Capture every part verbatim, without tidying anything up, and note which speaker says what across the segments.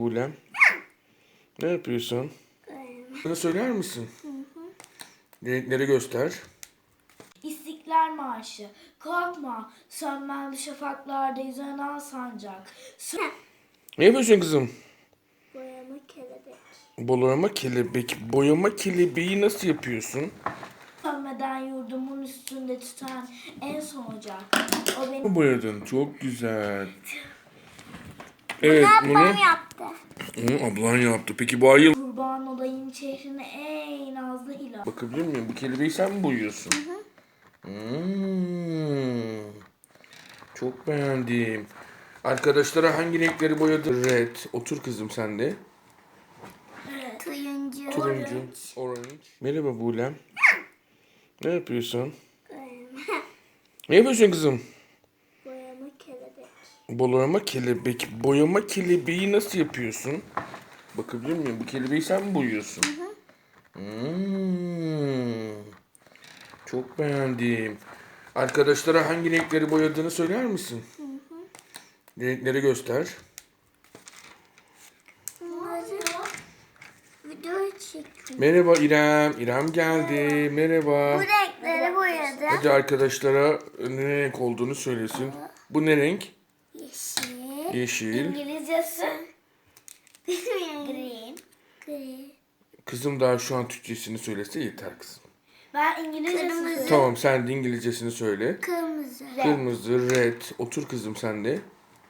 Speaker 1: Buğlem. Ne yapıyorsun? Bana söyler misin? Renkleri göster.
Speaker 2: İstiklal Marşı. Korkma, sönmez şafaklarda yüzen sancak. Sö-
Speaker 1: Ne yapıyorsun kızım?
Speaker 3: Boyama kelebek.
Speaker 1: Boyama kelebek. Boyama kelebeği nasıl yapıyorsun?
Speaker 2: Sönmeden yurdumun üstünde tüten en son ocak. O benim
Speaker 1: Boyadın. Çok güzel. Evet, bunu,
Speaker 3: Ablam yaptı.
Speaker 1: onu ablan yaptı. Peki bu ayı...
Speaker 2: kurban olayım çehrine ey nazlı hilal.
Speaker 1: Bakabilir miyim? Bu kelebeği sen mi boyuyorsun? Hmm. Çok beğendim. Arkadaşlara hangi renkleri boyadın? Red. Otur kızım sen de.
Speaker 3: Turuncu.
Speaker 1: Turuncu. Orange. Merhaba Buğlem. Ne yapıyorsun? Ne yapıyorsun kızım?
Speaker 3: Boyama kelebek.
Speaker 1: Boyama kelebek. Boyama kelebeği nasıl yapıyorsun? Bakabilir miyim? Bu kelebeği sen mi boyuyorsun? Hmm. Çok beğendim. Arkadaşlara hangi renkleri boyadığını söyler misin? Renkleri göster.
Speaker 3: Video çektim.
Speaker 1: Merhaba İrem. İrem geldi. Merhaba.
Speaker 3: Bu renkleri boyadım.
Speaker 1: Hadi arkadaşlara ne renk olduğunu söylesin. Bu ne renk?
Speaker 3: Yeşil.
Speaker 1: Yeşil.
Speaker 2: İngilizcesi
Speaker 3: Green. Gri.
Speaker 1: Kızım daha şu an Türkçesini söylese yeter kızım.
Speaker 2: ben İngilizcesini
Speaker 3: Kırmızı.
Speaker 2: söyleyeyim.
Speaker 1: Tamam sen de İngilizcesini söyle.
Speaker 3: Kırmızı.
Speaker 1: Kırmızı, red. Otur kızım sen de.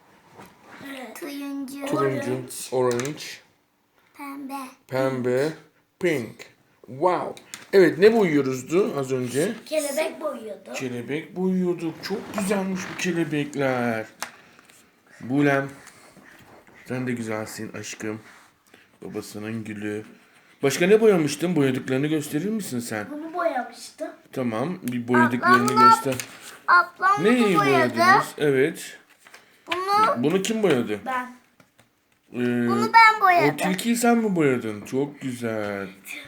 Speaker 3: Turuncu.
Speaker 1: Turuncu, orange,
Speaker 3: Pembe.
Speaker 1: pembe, pink. Wow. Evet ne boyuyoruzdu az önce?
Speaker 2: Kelebek boyuyordu.
Speaker 1: Kelebek boyuyorduk. Çok güzelmiş bu kelebekler. Buğlem. Sen de güzelsin aşkım. Babasının gülü. Başka ne boyamıştın? Boyadıklarını gösterir misin sen?
Speaker 2: Bunu boyamıştım.
Speaker 1: Tamam. Bir boyadıklarını
Speaker 3: Ablam-
Speaker 1: göster.
Speaker 3: Ablam
Speaker 1: Neyi
Speaker 3: bunu boyadı.
Speaker 1: boyadınız? Evet.
Speaker 3: Bunu,
Speaker 1: Bunu kim boyadı?
Speaker 2: Ben.
Speaker 1: Ee,
Speaker 3: bunu ben
Speaker 1: o
Speaker 3: boyadım.
Speaker 1: tilkiyi sen mi boyadın? Çok güzel.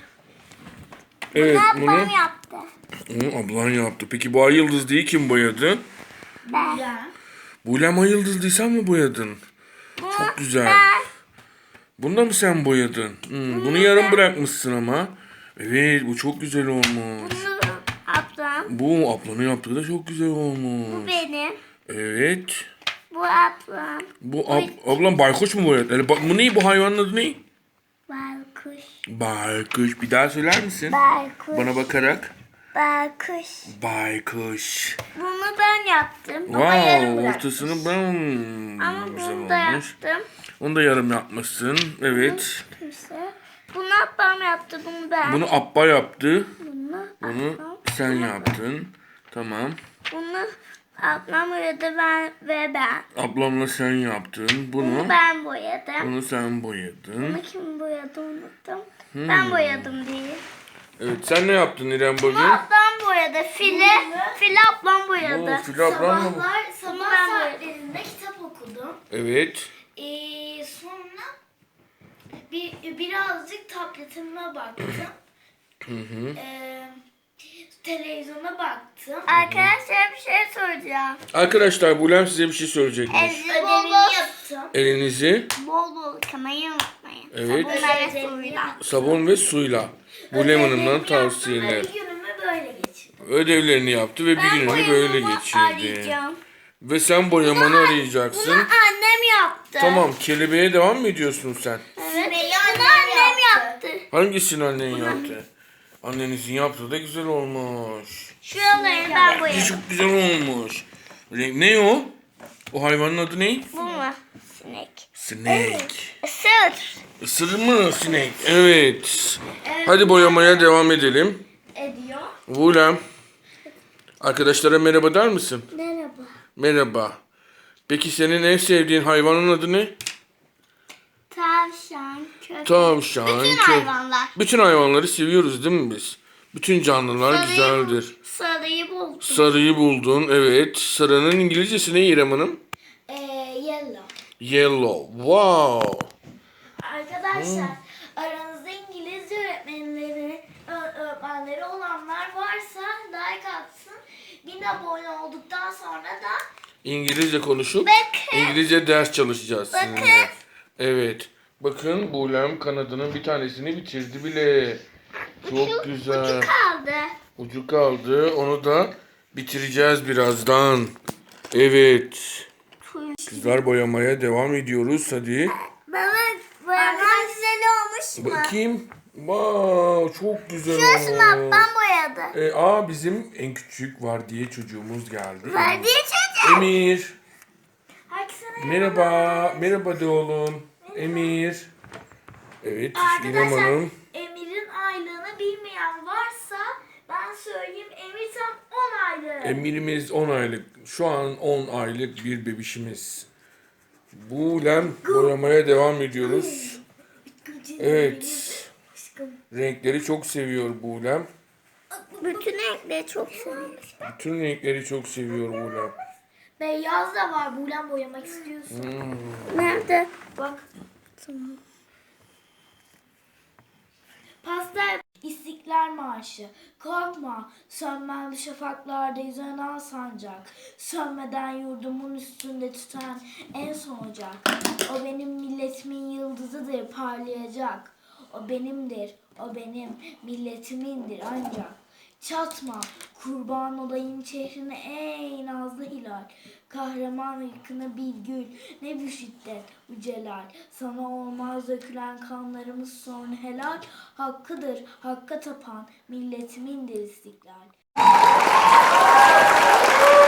Speaker 1: Evet
Speaker 3: Bunu
Speaker 1: bunu,
Speaker 3: ablam yaptı.
Speaker 1: onu ablan yaptı. Peki bu ay yıldızlıyı kim boyadı?
Speaker 3: Ben.
Speaker 2: Ben.
Speaker 1: Buğlem ay yıldızlıyı sen mi boyadın?
Speaker 3: Bunu
Speaker 1: Çok güzel.
Speaker 3: ben.
Speaker 1: Bunu da mı sen boyadın? Hmm, bunu yarım bırakmışsın ama. Evet bu çok güzel olmuş.
Speaker 3: Bunu ablam.
Speaker 1: Bu ablanın yaptığı da çok güzel
Speaker 3: Bu
Speaker 1: olmuş.
Speaker 3: benim.
Speaker 1: Evet.
Speaker 3: Bu ablam.
Speaker 1: Bu ab- ablam baykuş mu boyadı? Yani, ba- bu ne? Bu hayvanın adı ne?
Speaker 3: Baykuş.
Speaker 1: Baykuş. Bir daha söyler misin?
Speaker 3: Baykuş.
Speaker 1: Bana bakarak.
Speaker 3: Baykuş.
Speaker 1: Baykuş.
Speaker 3: Bunu ben yaptım.
Speaker 1: Wow, ortasını ben
Speaker 3: Ama
Speaker 1: güzel
Speaker 3: bunu da
Speaker 1: olmuş.
Speaker 3: yaptım.
Speaker 1: Onu da yarım yapmışsın. Evet.
Speaker 3: Kimse. Bunu ablam yaptı. Bunu ben.
Speaker 1: Bunu Abba yaptı.
Speaker 3: Bunu,
Speaker 1: Bunu
Speaker 3: ablam.
Speaker 1: sen yaptın. Tamam.
Speaker 3: Bunu ablam boyadı ben ve ben.
Speaker 1: Ablamla sen yaptın.
Speaker 3: Bunu
Speaker 1: Bunu
Speaker 3: ben boyadım.
Speaker 1: bunu sen boyadın.
Speaker 3: Bunu kim boyadı unuttum. Ben boyadım diye.
Speaker 1: Evet sen ne yaptın İrem bugün?
Speaker 3: Bunu ablam boyadı. Fili, fili ablam boyadı.
Speaker 1: Oo, Fili ablam mı?
Speaker 2: Sabahlar,
Speaker 3: Bunu
Speaker 2: sabah
Speaker 3: ben
Speaker 2: saatlerinde kitap okudum.
Speaker 1: Evet.
Speaker 2: Ee, sonra bir birazcık tabletime baktım. Ee, televizyona baktım.
Speaker 3: Arkadaşlar bir şey soracağım.
Speaker 1: Arkadaşlar Buğlem size bir şey söyleyecekmiş.
Speaker 3: Elinizi bol
Speaker 2: Ödevimi
Speaker 3: bol,
Speaker 2: yaptım.
Speaker 1: Elinizi
Speaker 3: bol bol yıkamayı unutmayın.
Speaker 1: Evet.
Speaker 3: Sabunla ve suyla.
Speaker 1: sabun ve suyla. Buğlem Hanım'dan
Speaker 2: Ödevimi
Speaker 1: tavsiyeler.
Speaker 2: yaptım ve günümü böyle geçirdim.
Speaker 1: Ödevlerini yaptı ve bir
Speaker 3: Ben
Speaker 1: gününü böyle
Speaker 3: boyamamı
Speaker 1: geçirdi.
Speaker 3: arayacağım.
Speaker 1: Ve sen boyamanı arayacaksın.
Speaker 3: Bunu annem yaptı.
Speaker 1: Tamam kelebeğe devam mı ediyorsun sen?
Speaker 3: Evet.
Speaker 2: Sümeyye
Speaker 3: Bunu
Speaker 2: annem
Speaker 3: annem
Speaker 2: yaptı.
Speaker 3: yaptı.
Speaker 1: Hangisini annen yaptı? Annenizin yaptığı da güzel olmuş.
Speaker 3: Şuraları ben boyadım.
Speaker 1: Çok güzel olmuş. Renk ne o? O hayvanın adı ne?
Speaker 3: Bu mu? Sinek.
Speaker 1: Snake.
Speaker 3: Isır.
Speaker 1: Isırır mı sinek? Evet. Hadi boyamaya devam edelim.
Speaker 2: Ediyor.
Speaker 1: Buğlem. Arkadaşlara merhaba der misin?
Speaker 3: Merhaba.
Speaker 1: Merhaba. Peki senin en sevdiğin hayvanın adı ne?
Speaker 3: Tavşan, köpek.
Speaker 1: Tavşan.
Speaker 3: Bütün
Speaker 1: kö-
Speaker 3: hayvanlar.
Speaker 1: Bütün hayvanları seviyoruz değil mi biz? Bütün canlılar
Speaker 3: Sarıyı
Speaker 1: güzeldir.
Speaker 3: bul- Sarıyı buldum.
Speaker 1: Sarıyı buldun. Evet. Sarının İngilizcesi ne İrem Hanım?
Speaker 2: Ee, yellow.
Speaker 1: Yellow. Wow.
Speaker 2: Arkadaşlar aranızda İngilizce öğretmenleri ö- öğretmenleri olanlar varsa like atsın. Bin abone olduktan sonra da
Speaker 1: İngilizce konuşup
Speaker 3: Bakın.
Speaker 1: İngilizce ders çalışacağız
Speaker 3: Bakın.
Speaker 1: sizinle. Evet. Bakın Buğlem kanadının bir tanesini bitirdi bile. Çok güzel.
Speaker 3: Kaldı.
Speaker 1: Ucu kaldı. Onu da bitireceğiz birazdan. Evet. Kızlar boyamaya devam ediyoruz. Hadi.
Speaker 3: Baba boyaman güzel olmuş mu?
Speaker 1: Bakayım. Wow, çok güzel
Speaker 3: Şurasını
Speaker 1: olmuş.
Speaker 3: ablam boyadı.
Speaker 1: E, aa bizim en küçük var diye çocuğumuz geldi.
Speaker 3: Var diye çocuğum.
Speaker 1: Emir.
Speaker 2: Herkese
Speaker 1: Merhaba. Merhaba de oğlum. Emir. Evet. İrem
Speaker 2: Arkadaşlar,
Speaker 1: Hanım.
Speaker 2: Emir'in aylığını bilmeyen varsa ben söyleyeyim. Emir tam on aylık.
Speaker 1: Emirimiz on aylık. Şu an on aylık bir bebişimiz. Buğlem boyamaya devam ediyoruz. Evet. Renkleri çok seviyor Buğlem.
Speaker 3: Bütün renkleri çok seviyorum.
Speaker 1: Bütün renkleri çok seviyor Buğlem.
Speaker 2: Beyaz da var. Buğlem boyamak istiyorsun.
Speaker 3: Nerede?
Speaker 2: Bak. Pastel İstiklal Marşı. Korkma, sönmez şafaklarda yüzen sancak. Sönmeden yurdumun üstünde tüten en son ocak. O benim milletimin yıldızıdır, parlayacak. O benimdir, o benim milletimindir ancak. Çatma, kurban olayım çehrine ey nazlı hilal. Kahraman ırkına bir gül, ne bir şiddet bu celal. Sana olmaz dökülen kanlarımız son helal. Hakkıdır, hakka tapan milletimindir istiklal.